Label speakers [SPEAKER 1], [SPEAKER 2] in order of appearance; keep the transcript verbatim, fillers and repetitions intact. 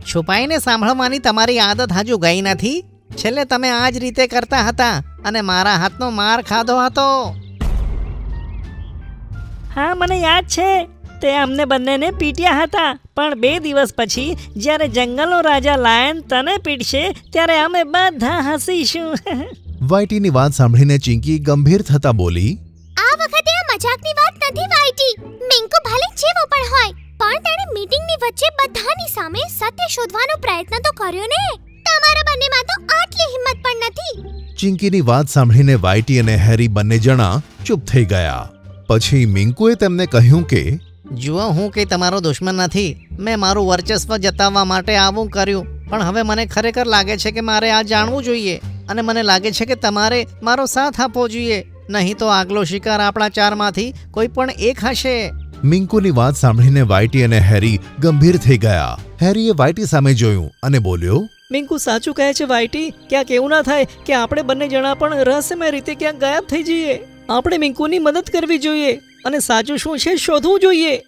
[SPEAKER 1] છુપાઈને સાંભળવાની તમારી આદત હજુ ગઈ નથી? છેલ્લે તમે આ જ રીતે કરતા હતા અને મારા હાથનો માર ખાધો હતો.
[SPEAKER 2] હા, મને યાદ છે. તે અમને બંનેને પીટ્યા હતા, પણ બે દિવસ પછી જ્યારે જંગલનો રાજા લાયન તને પીટશે ત્યારે અમે બધા હસીશું.
[SPEAKER 3] વાઈટીની વાત સાંભળીને ચિંકી ગંભીર થતા બોલી,
[SPEAKER 4] આ વખતે આ મજાકની વાત નથી વાઈટી. મિંકુ ભલે જેવો પણ હોય, પણ તેણે મીટિંગની વચ્ચે બધાની સામે સત્ય શોધવાનો પ્રયત્ન તો કર્યો ને. તમારા બંનેમાં તો આટલી હિંમત પણ નથી.
[SPEAKER 3] ચિંકીની વાત સાંભળીને વાઈટી અને હેરી બંને જણા ચૂપ થઈ ગયા. પછી મિંકુએ તેમને કહ્યું કે
[SPEAKER 1] જુઓ, હું કંઈ તમારો દુશ્મન નથી. મેં મારું વર્ચસ્વ જતાવવા માટે આવું કર્યું, પણ હવે મને ખરેખર લાગે છે કે મારે આ જાણવું જોઈએ અને મને લાગે છે કે તમારે મારો સાથ આપવો જોઈએ, નહીં તો આગલો શિકાર આપણા ચારમાંથી કોઈ પણ એક હશે.
[SPEAKER 3] મિંકુની વાત સાંભળીને વાઈટી અને હેરી ગંભીર થઈ ગયા. હેરીએ વાઈટી સામે જોયું અને બોલ્યો,
[SPEAKER 2] મિંકુ સાચું કહે છે વાઈટી. ક્યાંક એવું ના થાય કે આપણે બંને જણા પણ રહસ્યમય રીતે ક્યાંક ગાયબ થઈ જઈએ. આપણે મિંકુની મદદ કરવી જોઈએ અને સાચું શું છે શોધવું જોઈએ.